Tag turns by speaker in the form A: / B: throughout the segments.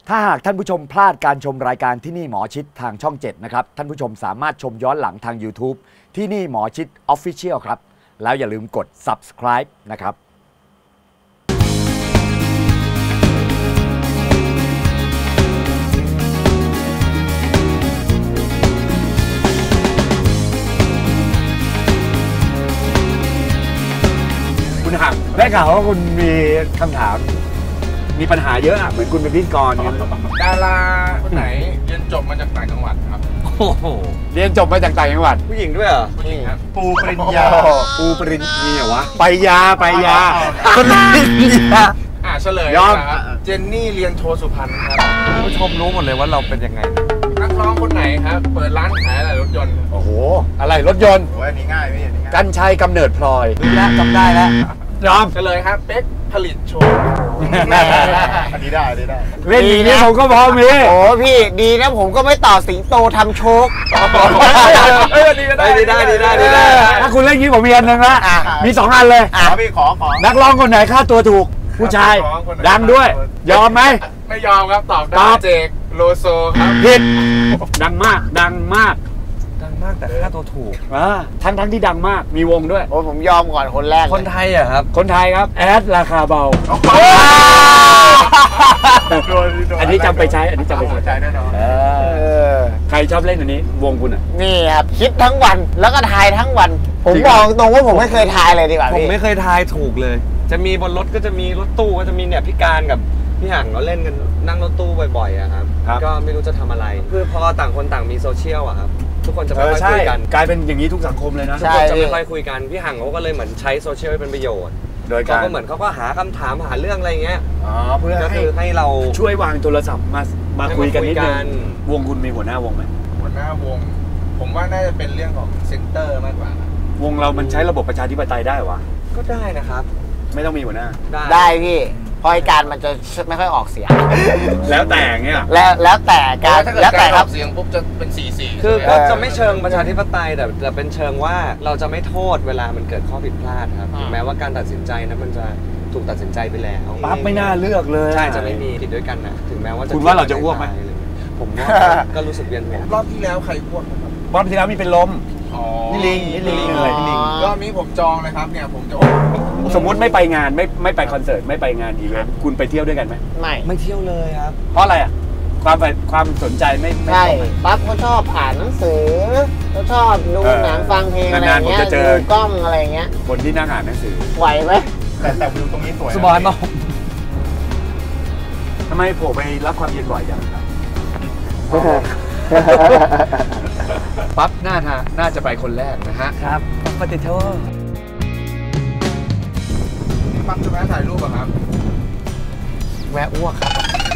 A: ถ้าหากท่านผู้ชมพลาดการชมรายการที่นี่หมอชิดทางช่อง 7 นะครับท่านผู้ชมสามารถชมย้อนหลังทาง YouTube ที่นี่หมอชิด Official ครับแล้วอย่าลืมกด Subscribe นะครับคุณหักได้ข่าวว่าคุณมีคำถามมีปัญหาเยอะอะเหมือนคุณเป็นพิธีกร
B: ดาราคนไหนเรียนจบมาจากต่างจังหวัดครับ
A: โอ้โหเรียนจบมาจากต่างจังหวัด
C: ผู้หญิงด้วยเหรอ
B: ผู้หญิงครับ
A: ปูปริญญาปูปริญญาวะไปยาปริญญา
B: เฉลยยอมเจนนี่เรียนโทสุพรรณครับ
C: ผู้ชมรู้หมดเลยว่าเราเป็นยังไง
B: นักร้องคนไหนครับเปิดร้านขายอะไรรถยนต์
A: โอ้โหอะไรรถยนต์
B: โอ้ยนี่ง่ายพี่
A: กัญชัยกำเนิดพลอย
C: รู้แล้วจำได้แล้ว
A: ยอม
B: เฉลยครับเป๊กผลิตโชว์อันนี้ได้
A: เล่นอย่างนี้ผมก็พอมี
C: โอ้พี่ดีนะผมก็ไม่ต่อสิงโตทำโชค
B: ได้
A: ถ้าคุณเล่นอย่างนี้ผมมีอันนึงละมี2อันเลย
B: พี่ขอ
A: นักร้องคนไหนค่าตัวถูกผู้ชายดังด้วยยอมไหม
B: ไม่ยอมครับตอบได้เจกโลโซครับ
A: ผิดดังมาก
C: แต่ค่าตัวถูก
A: ทั้งที่ดังมากมีวงด้วย
C: โอ้ผมยอมก่อนคนแรก
A: คนไทยอะครับคนไทยครับแอดราคาเบาอันนี้จำไปใช้
B: แน่นอน
A: ใครชอบเล่นอันนี้วงคุณอ่ะ
C: นี่ครับคิดทั้งวันแล้วก็ทายทั้งวันผมบอกตรงว่าผมไม่เคยทายเลยดีกว่า
D: ผมไม่เคยทายถูกเลยจะมีบนรถก็จะมีรถตู้ก็จะมีเนี่ยพี่การกับพี่ห่างเราเล่นกันนั่งรถตู้บ่อยๆอะครับก็ไม่รู้จะทำอะไรคือพอต่างคนต่างมีโซเชียลอะครับทุกคนจะไม่ค่อยคุยกัน
A: กลายเป็นอย่างนี้ทุกสังคมเลยนะ
D: ทุกคนจะไม่ค่อยคุยกันพี่ห่างเขาก็เลยเหมือนใช้โซเชียลเป็นประโยชน์
A: โดยการ
D: เขาก็เหมือนเขาก็หาคำถามหาเรื่องอะไรเงี้ย
A: เพื่อ
D: ให้เรา
A: ช่วยวางโทรศัพท์มาคุยกันนิดนึงวงคุณมีหัวหน้าวงไหม
B: หัวหน้าวงผมว่าน่าจะเป็นเรื่องของเซ็นเตอร์มากกว่าว
A: งเรามันใช้ระบบประชาธิปไตยได้วะ
D: ก็ได้นะครับ
A: ไม่ต้องมีหัวหน้า
C: ได้พี่เพราะการมันจะไม่ค่อยออกเสียง
A: แล้วแต่เงี้ย
C: แล้วแต่การ
B: แล้วแต่ครับเสียงปุ๊บจะเป็น4-4
D: คือก็จะไม่เชิงประชาธิปไตยแต่เป็นเชิงว่าเราจะไม่โทษเวลามันเกิดข้อผิดพลาดครับแม้ว่าการตัดสินใจนั้นมันจะถูกตัดสินใจไปแล้ว
A: ปั๊บไม่น่าเลือกเลย
D: ใช่จะไม่มีผิดด้วยกันนะถึงแม้ว่า
A: คุณว่าเราจะอ้วกไหม
D: ผมว่าก็รู้สึกเวียนหัว
B: รอบที่แล้วใครอ้วกครับ
A: รอบที่แล้วมีเป็นลมนี่ลิงเลย
B: รอบนี้ผมจองเลยครับเนี่ยผมจะ
A: สมมติไม่ไปงานไม่ไปคอนเสิร์ตไม่ไปงานอีเวนต์คุณไปเที่ยวด้วยกันไหม
D: ไม่เที่ยวเลยครับ
A: เพราะอะไรอ่ะความสนใจไม่
C: ใช่ปั๊บเขาชอบอ่านหนังสือเขาชอบดูหนังฟังเพลงอะไรเงี้ยดูกล้องอะไรเงี้ย
A: คนที่นั่งอ่านหนังสือ
C: ไหวไหม
B: แต่วิวตรงนี้สวย
D: สบายมาก
A: ทำไมผมไปรับความเย็นบ่อยจังครับปั๊บน่าจะไปคนแรกนะฮะ
D: ครับปฏิโทษ
B: ปั๊บจะแวะถ่ายรูปครับ
D: แวะอ้วกครับ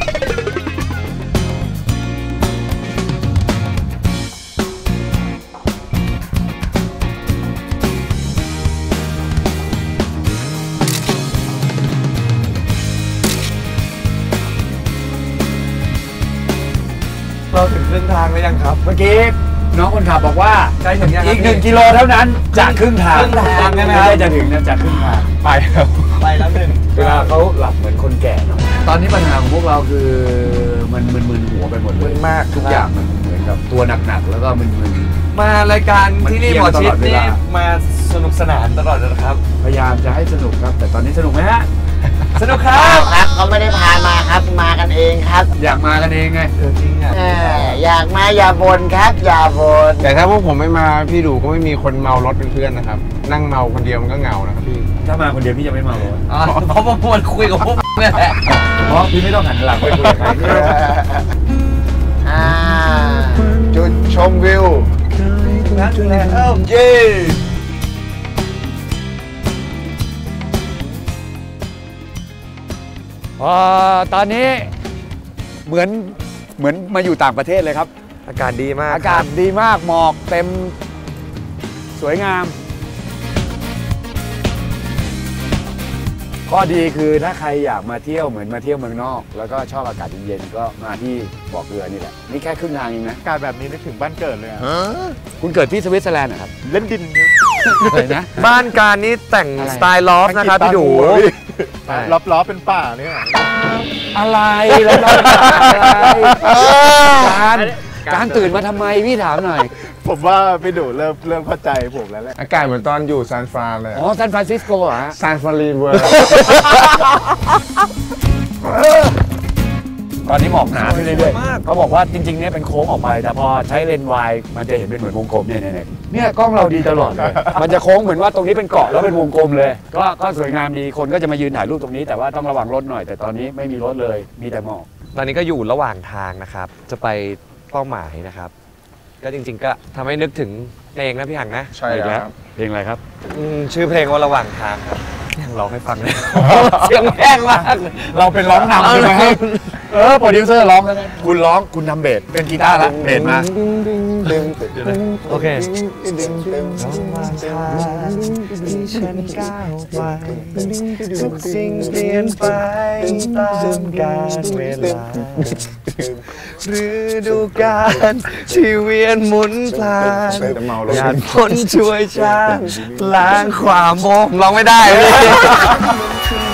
D: เราถึงครึ่งทางแล้วยังครับ
A: เมื่อกี้น้องคนขับบอกว่าอีก1 กิโลเท่านั้นจากครึ่งทาง
D: ใช่ไหม
A: ครับจะถึงจากครึ่งทาง
D: ไปแล้วหนึ่ง
A: เวลาเขาหลับเหมือนคนแก่เนาะตอนนี้ปัญหาของพวกเราคือมันมึนหัวไปหมดเลย
D: มาก
A: ทุกอย่างมันเหมือนกับตัวหนักๆแล้วก็มึน
D: มารายการที่นี่หมอชิดนี่มาสนุกสนานตลอดเลยครับ
A: พยายามจะให้สนุกครับแต่ตอนนี้สนุกไหมฮะ
D: สนุกครับ
C: เขาไม่ได้พามาครับมากันเองครับ
A: อยากมากันเองไง
D: จริงอ่ะ
C: อยากมาอย่าบ่นครับอย่าบ่น
B: แต่ถ้าพวกผมไม่มาพี่ดูก็ไม่มีคนเมารถเป็นเพื่อนนะครับนั่งเมาคนเดียวมันก็เหงานะครับพี่
A: ถ้ามาคนเดียวพี่จะไม่เมารถ
D: เพราะว่าคุยกับพวกนี่แหละ
A: เพราะพี่ไม่ต้องหันหลังไปคุยกับใคร
B: จุดชมวิว
D: เย้
A: ตอนนี้เหมือนมาอยู่ต่างประเทศเลยครับ
D: อากาศดีมาก
A: หมอกเต็มสวยงามข้อดีคือถ้าใครอยากมาเที่ยวเหมือนมาเที่ยวเมืองนอกแล้วก็ชอบอากาศเย็นๆก็มาที่บ่อเกลือนี่แหละนี่แค่ครึ่งทางเองนะ
B: อากาศแบบนี้นึกถึงบ้านเกิดเลย
A: คุณเกิดที่สวิตเซอร์แลนด์เหรอครับ
B: เล่นดิน
E: อะไรนะ
D: บ้านการนี้แต่งสไตล์ลอฟนะครับพี่ดู
B: ล้อเป็นป่าเนี่ย
E: อะไรแล้วเราการตื่นมาทำไมพี่ถามหน่อย
B: ผมว่าพี่ดูเริ่มเข้าใจผมแล้วแหละอากาศเหมือนตอนอยู่ซานฟรานเลย
E: อ๋อซานฟรานซิสโกเหรอฮะ
B: ซานฟรานเวิร์
E: ตอนนี้หมอกหนาขึ้นเรื่อยๆเขาบอกว่าจริงๆเนี่ยเป็นโค้งออกไปแต่พอใช้เลนส์วายมันจะเห็นเป็นเหมือนวงกลมเนี่ยกล้องเราดีตลอดเลยมันจะโค้งเหมือนว่าตรงนี้เป็นเกาะแล้วเป็นวงกลมเลยก็สวยงามดีคนก็จะมายืนถ่ายรูปตรงนี้แต่ว่าต้องระวังรถหน่อยแต่ตอนนี้ไม่มีรถเลยมีแต่หมอก
D: ตอนนี้ก็อยู่ระหว่างทางนะครับจะไปเป้าหมายนะครับก็จริงๆก็ทำให้นึกถึงเพลงนะพี่หังนะ
B: ใช่ครับ
E: เพลงอะไรครับ
D: ชื่อเพลงว่าระหว่างทางครับพี่หังร้องให้ฟังเลยเสียงแห้งมาก
E: เราเป็นร้องนำใช่ไหมโปรดิวเซอร์ร้องแล้วคุณร้องคุณทำเบสเป็นกีตาร์ละเบสมา
D: โอเค
F: ที่ฉันก้าวไปทุกสิ่งเปลี่ยนไปตามกาลเวลาฤดูกาลที่เวียนหมุนพลานหยาดฝนช่วยชาล้างความโมงร้องไม่ได้เลย